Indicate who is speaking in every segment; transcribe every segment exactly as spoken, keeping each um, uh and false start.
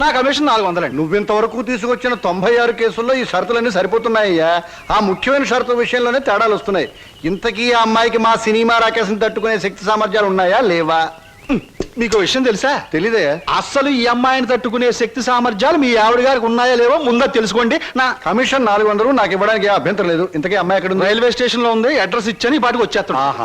Speaker 1: నా కమిషన్ నాలుగు వందలండి.
Speaker 2: నువ్వింతవరకు తీసుకొచ్చిన తొంభై ఆరు కేసుల్లో ఈ షరతులన్నీ సరిపోతున్నాయ్యా. ఆ ముఖ్యమైన షరతుల విషయంలోనే తేడాలు వస్తున్నాయి. ఇంతకీ ఆ అమ్మాయికి మా సినిమా రాకేశం తట్టుకునే శక్తి సామర్థ్యాలు ఉన్నాయా లేవా?
Speaker 1: మీకు విషయం తెలుసా?
Speaker 2: తెలీదే.
Speaker 1: అస్సలు ఈ అమ్మాయిని తట్టుకునే శక్తి సామర్థ్యాలు మీ ఆవిడ గారికి ఉన్నాయా లేవో ముందా తెలుసుకోండి. నా
Speaker 2: కమిషన్ నాలుగు వందలు నాకు ఇవ్వడానికి ఏ అభ్యంతరం లేదు. ఇంతకీ అమ్మాయి ఎక్కడ ఉంది?
Speaker 1: రైల్వే స్టేషన్ లో ఉంది. అడ్రస్ ఇచ్చాను, ఈ పాటికి వచ్చేస్తాను.
Speaker 2: ఆహా.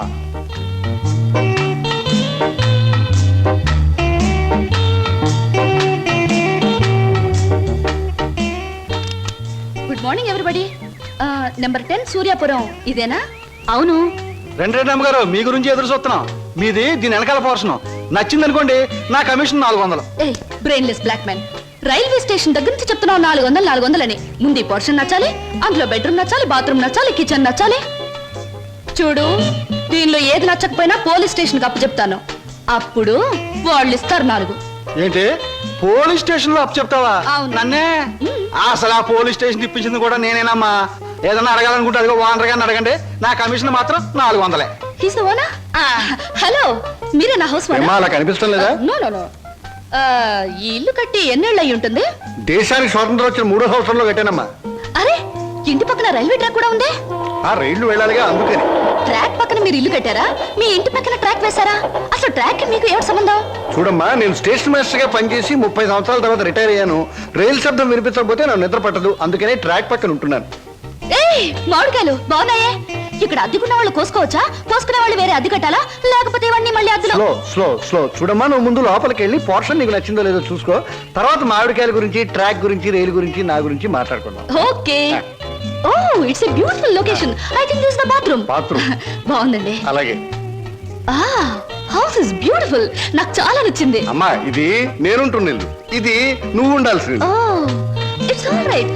Speaker 3: Good morning everybody. Number ten Suryapuram ఇదేనా? అవును.
Speaker 1: రెండు రెండు అమ్మగారు మీ గురించి ఎదురు చూస్తున్నాం. మీది దీని వెనకాల పోర్షన్ నచ్చింది అనుకోండి, నా కమిషన్ నాలుగు వందలు.
Speaker 3: A brainless black man, railway station దగ్గర నుంచి చెప్తున్నావు నాలుగు వందలు నాలుగు వందలని. ముందు ఈ పోర్షన్ నచ్చాలి, అందులో బెడ్రూమ్ నచ్చాలి, బాత్రూమ్ నచ్చాలి, కిచెన్ నచ్చాలి. చూడు, దీనిలో ఏది నచ్చకపోయినా పోలీస్ స్టేషన్ కి అప్పు చెప్తాను. అప్పుడు వాళ్ళు ఇస్తారు నాలుగు.
Speaker 1: ఏంటి పోలీస్ స్టేషన్ లో అప్పు చెప్తావా?
Speaker 3: అవును.
Speaker 1: నన్నే? అసలు ఆ పోలీస్ స్టేషన్ ఇప్పించింది కూడా నేనేనమ్మా. ఏదన్నా అడగాలనుకుంటే అదిగో ఓనర్ గారిని అడగండి. నా కమిషన్ మాత్రం నాలుగు వందలే.
Speaker 3: హలో, మీరే నా హౌస్
Speaker 2: ఏమ్మా, అలా కనిపిస్తాం లేదా?
Speaker 3: No no no. ఈ ఇల్లు కట్టి ఎన్నేళ్ళు అయి ఉంటుంది?
Speaker 2: దేశానికి స్వాతంత్రం వచ్చిన మూడో సంవత్సరంలో కట్టానమ్మా.
Speaker 3: అరే, ఇంటి పక్కన రైల్వే ట్రాక్ కూడా ఉంది.
Speaker 2: ఆ రైళ్లు వెళ్ళాలిగా, అందుకని.
Speaker 3: ట్రాక్ పక్కన మీరు ఇల్లు కట్టారా? మీ ఇంటి పక్కన ట్రాక్ వేశారా? అసలు ట్రాక్ మీకు ఏమిటి సంబంధం?
Speaker 2: చూడమ్మా, నేను స్టేషన్ మాస్టర్ గా పనిచేసి ముప్పై సంవత్సరాల తర్వాత రిటైర్ అయ్యాను. రైలు శబ్దం వినిపించకపోతే నాకు నిద్ర పట్టదు, అందుకనే ట్రాక్ పక్కన ఉంటున్నాను.
Speaker 3: ఏయ్, మామిడికాయలు బాగున్నాయే. ఇక్కడ అద్దెకున్న వాళ్ళు కోసుకోవచ్చా? కోసుకునే వాళ్ళు వేరే అద్దె కట్టాలా? లేకపోతే ఇవన్నీ మళ్ళీ అద్దెలో?
Speaker 2: స్లో స్లో స్లో చూడమ్మా, నువ్వు ముందు లోపలికి వెళ్ళి పోర్షన్ నీకు నచ్చిందో లేదో చూసుకో. తర్వాత మామిడికాయల గురించి, ట్రాక్ గురించి, రైలు గురించి, నా గురించి మాట్లాడుకుందాం.
Speaker 3: Okay. Oh, it's a beautiful location. I think this the bathroom.
Speaker 2: Bathroom
Speaker 3: బాగుందండి.
Speaker 2: అలాగే.
Speaker 3: ఆ, హౌస్ ఇస్ బ్యూటిఫుల్. నాకు చాలా నచ్చింది.
Speaker 2: అమ్మా, ఇది నేనుంటున్న ఇల్లు, ఇది నువ్వు ఉండాల్సింది.
Speaker 3: Oh, it's all right.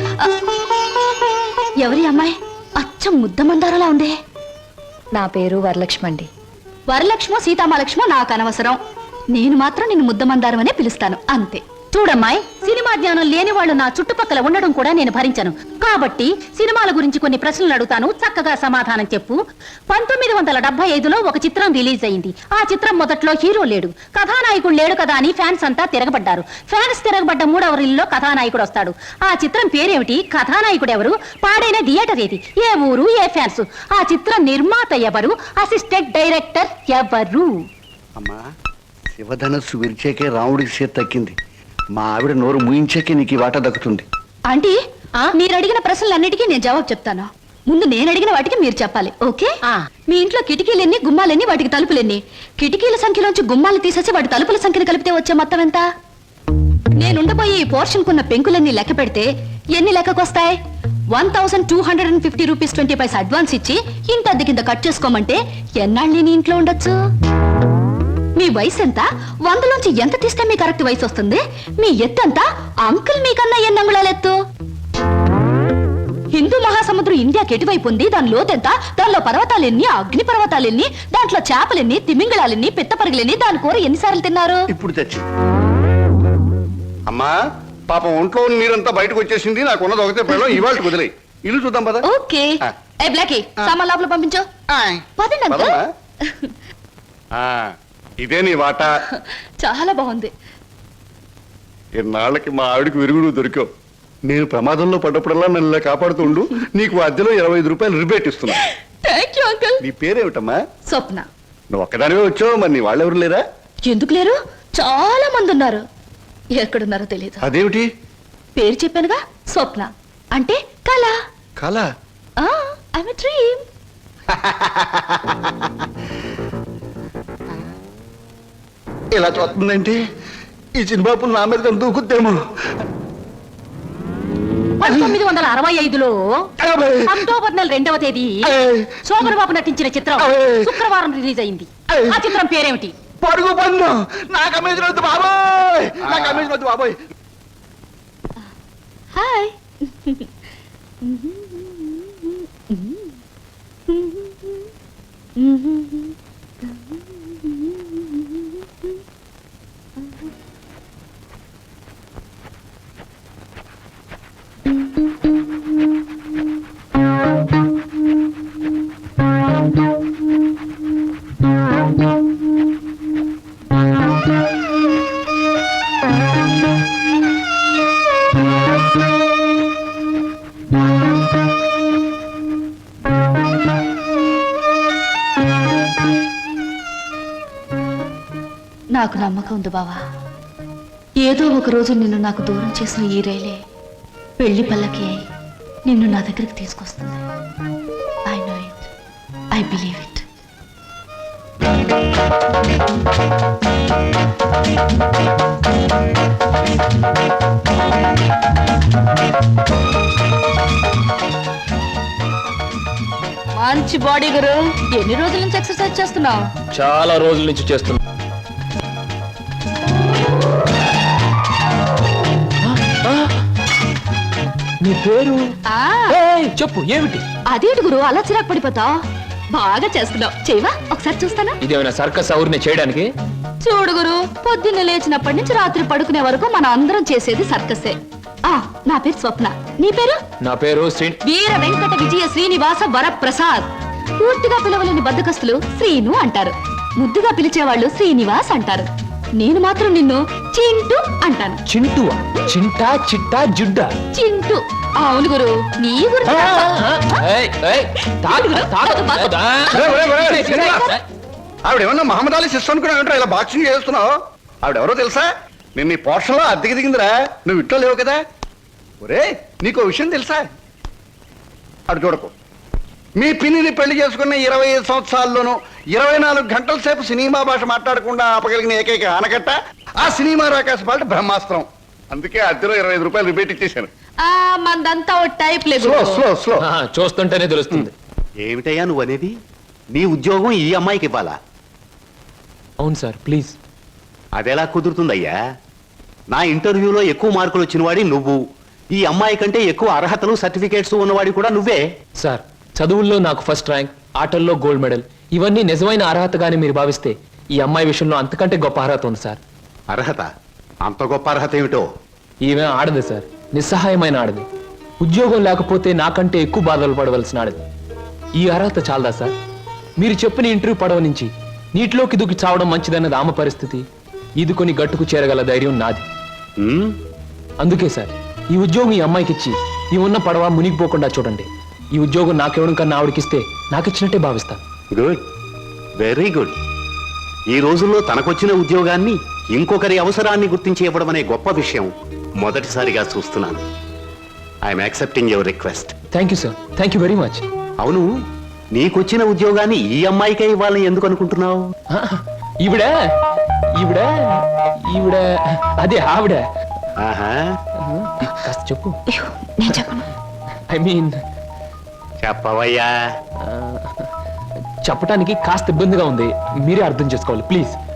Speaker 3: ఎవరి అమ్మాయి? అచ్చం ముద్ద మందారలా ఉంది.
Speaker 4: నా పేరు వరలక్ష్మి అండి.
Speaker 3: వరలక్ష్మో సీతామలక్ష్మో నాకు అనవసరం. నేను మాత్రం నిన్ను ముద్ద మందారం అనే పిలుస్తాను, అంతే. చూడమ్మాయి, సినిమా జ్ఞానం లేని వాళ్ళు నా చుట్టుపక్కల ఉండడం కూడా నేను భరించను. కాబట్టి సినిమాల గురించి కొన్ని ప్రశ్నలు అడుగుతాను, చక్కగా సమాధానం చెప్పు. పంతొమ్మిది వందల డెబ్బై ఐదులో ఒక చిత్రం రిలీజ్ అయింది. ఆ చిత్రం మొదట్లో హీరో లేడు, కథానాయకుడు లేడు కదా అని ఫ్యాన్స్ అంతా తిరగబడ్డారు. ఫ్యాన్స్ తిరగబడ్డ మూడవ రీల్లో కథానాయకుడు వస్తాడు. ఆ చిత్రం పేరేమిటి? కథానాయకుడు ఎవరు? పాడైన థియేటర్ ఏది? ఏ ఊరు? ఏ ఫ్యాన్స్? ఆ చిత్ర నిర్మాత ఎవరు? అసిస్టెంట్ డైరెక్టర్ ఎవరు?
Speaker 2: అమ్మా, శివధనస్సు విరిచేకే రాముడికి చేతి తక్కింది. మా ఆవిడ నోరు ముయించాకే నీకు ఈ వాట దక్కుతుంది.
Speaker 3: ఆంటీ, మీరు అడిగిన ప్రశ్నలన్నిటికీ నేను జవాబు చెప్తాను. ముందు నేను అడిగిన వాటికి మీరు చెప్పాలి, ఓకే? మీ ఇంట్లో కిటికీలెన్ని, గుమ్మాలెన్ని, వాటికి తలుపులెన్ని? కిటికీల సంఖ్యలోంచి గుమ్మాలు తీసేసి వాటి తలుపుల సంఖ్యను కలిపితే వచ్చే మొత్తం ఎంత? నేనుండబోయే ఈ పోర్షన్ కున్న పెంకులన్నీ లెక్క పెడితే ఎన్ని లెక్కకొస్తాయి? One thousand two hundred and fifty rupees twenty paise advance ఇచ్చి ఇంత అద్దె కింద కట్ చేసుకోమంటే ఎన్నాళ్ళు నేను ఇంట్లో ఉండొచ్చు? మీ వయసు ఎంత? వందలోంచి ఎంత తీస్తే మీ కరెక్ట్ వయసు వస్తుంది? మీ ఎత్తు ఎంత? అంకుల్ మీకన్నా ఎన్ని అంగుళాల ఎత్తు? హిందూ మహాసముద్రం ఇండియాకి ఎటువైపు ఉంది? దాని లోతెంత? దానిలో పర్వతాలెన్ని, అగ్ని పర్వతాలెన్ని, దాంట్లో చేపలెన్ని, తిమింగళాలెన్ని, పిత్తపరిగలెన్ని, దాని కూర ఎన్నిసార్లు తిన్నారు?
Speaker 2: ఇప్పుడు తెచ్చి అమ్మా, పాపం ఒంట్లో నీరంతా బయటకు వచ్చేసింది. నాకు ఉన్నది ఒకటే పిల్లలు, ఇవాళ వదిలే ఇల్లు చూద్దాం పద.
Speaker 3: ఓకే. ఏ బ్లాకీ, సామాన్ లోపల పంపించు. పదండి అంకుల్.
Speaker 2: ఇదే నీ వాట.
Speaker 3: చాలా బాగుంది.
Speaker 2: ఇన్నాళ్ళకి మా ఆవిడికి విరుగుడు దొరికావు. నేను ప్రమాదంలో పడ్డప్పుడల్లా నన్ను ఇలా కాపాడుతూ ఉండు. నీకు అద్దెలో ఇరవై ఐదు రూపాయలు రిబేట్ ఇస్తున్నా.
Speaker 3: Thank you uncle.
Speaker 2: నీ పేరేమిటమ్మా?
Speaker 3: స్వప్న.
Speaker 2: నువ్వు ఒక్కదానివే వచ్చావు, మరి నీ వాళ్ళెవరు లేరా?
Speaker 3: ఎందుకు లేరు? చాలా మంది ఉన్నారు. ఎక్కడున్నారో తెలియదు.
Speaker 2: అదేమిటి?
Speaker 3: పేరు చెప్పానుగా, స్వప్న అంటే కళ.
Speaker 2: కళ?
Speaker 3: I'm a dream.
Speaker 2: ఇలా చూస్తుందంటే ఈ చిన్నబాబు నా మీద దూకుద్దేమో.
Speaker 3: పంతొమ్మిది వందల అరవై ఐదులో అక్టోబర్ నెల రెండవ తేదీ శోభన్ బాబు నటించిన చిత్రం శుక్రవారం రిలీజ్ అయింది. ఆ చిత్రం పేరేమిటి?
Speaker 2: పడుగు పన్ను. నా కమిషన్ వద్దు బాబోయ్, నా కమిషన్ వద్దు బాబోయ్.
Speaker 3: హాయ్. నాకు నమ్మకం ఉంది బావా. ఏదో ఒక రోజు నిన్ను నాకు దూరం చేసిన ఈ రైలే పెళ్లి పల్లకి అయి నిన్ను నా దగ్గరికి తీసుకొస్తుంది. I know it, I believe it. మంచి బాడీ గురు. ఎన్ని రోజుల నుంచి ఎక్సర్సైజ్ చేస్తున్నావు?
Speaker 5: చాలా రోజుల నుంచి చేస్తున్నా. నీ పేరు
Speaker 3: ఆ,
Speaker 5: ఏయ్, చెప్పు ఏమిటి?
Speaker 3: అదేంటి గురు అలా చిరాకు పడిపోతావు? బాగా చేస్తున్నావు. చేయవా ఒకసారి చూస్తానా?
Speaker 5: ఇదేమైనా సర్కస్ ఔర్ని చేయడానికి?
Speaker 3: చూడు గురు, పొద్దున్న లేచినప్పటి నుంచి రాత్రి పడుకునే వరకు మన అందరం చేసేది సర్కసే. ఆ, నా పేరు స్వప్న. నీ పేరు?
Speaker 5: నా పేరు శ్రీ.
Speaker 3: వీర వెంకట విజయ శ్రీనివాస వరప్రసాద్. పూర్తిగా పిలవలేని బద్దకస్తులు శ్రీను అంటారు. ముద్దుగా పిలిచేవాళ్ళు శ్రీనివాస్ అంటారు. నేను మాత్రం నిన్ను చింటూ అంటాను.
Speaker 5: చింటువా? చింటా చిట్టా జుడ్డా?
Speaker 3: చింటూ. అవును గురు, నీ గురించి
Speaker 5: ఏయ్, ఏయ్, తాగు, తాగు.
Speaker 2: ఆవిడ ఏమన్నా మహమ్మద్ అలీ సిస్టర్ అనుకున్నావు ఇలా బాక్సింగ్ చేస్తున్నావు? ఆవిడెవరో తెలుసా? నిన్న ఈ పోర్షన్లో అద్దెకి దిగిందిరా. నువ్వు ఇంట్లో లేవు కదా. ఒరే, నీకు విషయం తెలుసా? అటు చూడకు. మీ పిన్నిని పెళ్లి చేసుకున్న ఇరవై ఐదు సంవత్సరాల్లోనూ ఇరవై నాలుగు గంటల సేపు సినిమా భాష మాట్లాడకుండా ఆపగలిగిన ఏకైక ఆనకట్ట ఆ సినిమా రాకాశ పాట బ్రహ్మాస్త్రం. అందుకే అద్దెలో ఇరవై ఐదు రూపాయలు రిపేట్ ఇచ్చేశాను.
Speaker 3: ఆ మందంతా ఓ టైప్ లేదు.
Speaker 2: Slow slow slow.
Speaker 5: ఆ, చూస్తుంటేనే తెలుస్తుంది.
Speaker 6: ఏమిటయ్యా నువ్వు అనేది? నీ ఉద్యోగం ఈ అమ్మాయికి ఇవ్వాలా?
Speaker 5: అవును సార్, ప్లీజ్.
Speaker 6: అదెలా కుదురుతుందయ్యా? నా ఇంటర్వ్యూలో ఎక్కువ మార్కులు వచ్చిన వాడి నువ్వు. ఈ అమ్మాయి కంటే ఎక్కువ అర్హతలు సర్టిఫికేట్స్ ఉన్నవాడి కూడా నువ్వే.
Speaker 5: సార్, చదువుల్లో నాకు ఫస్ట్ ర్యాంక్, ఆటల్లో గోల్డ్ మెడల్, ఇవన్నీ నిజమైన అర్హతగానే మీరు భావిస్తే ఈ అమ్మాయి విషయంలో అంతకంటే గొప్ప అర్హత ఉంది సార్.
Speaker 6: అర్హత? అంత గొప్ప అర్హత ఏమిటో?
Speaker 5: ఈమె ఆడదు సార్, నిస్సహాయమైన ఆడది. ఉద్యోగం లేకపోతే నాకంటే ఎక్కువ బాధలు పడవలసిన ఆడది. ఈ అర్హత చాలదా సార్? మీరు చెప్పిన ఇంటర్వ్యూ పడవ నుంచి నీటిలోకి దూకి చావడం మంచిదన్నది ఆమె పరిస్థితి. ఈదుకొని గట్టుకు చేరగల ధైర్యం నాది.
Speaker 6: ఉమ్,
Speaker 5: అందుకే సార్, ఈ ఉద్యోగం ఈ అమ్మాయికి ఇచ్చి ఈ ఉన్న పడవ మునిగిపోకుండా చూడండి. ఈ ఉద్యోగం నాకెవడం కన్నా ఆవిడకిస్తే నాకిచ్చినట్టే భావిస్తాను.
Speaker 6: Good, very good. ఈ రోజుల్లో తనకొచ్చిన ఉద్యోగాన్ని ఇంకొకరి అవసరాన్ని గుర్తించి ఇవ్వడం అనే గొప్ప విషయం మొదటిసారిగా చూస్తున్నాను. I'm accepting your request.
Speaker 5: Thank you sir, thank you very much.
Speaker 6: అవును, నీకొచ్చిన ఉద్యోగాన్ని ఈ అమ్మాయికే ఇవ్వాలని ఎందుకు అనుకుంటున్నావు?
Speaker 5: ఈవిడ ఈవిడ ఈవిడ అదే ఆవిడ.
Speaker 6: ఆహా,
Speaker 5: కాస్త చెప్పు.
Speaker 3: అయ్యో, నేను చెప్పను.
Speaker 5: ఐ మీన్
Speaker 6: చెప్పవయ్యా.
Speaker 5: చెప్పడానికి కాస్త ఇబ్బందిగా ఉంది, మీరే అర్థం చేసుకోవాలి ప్లీజ్.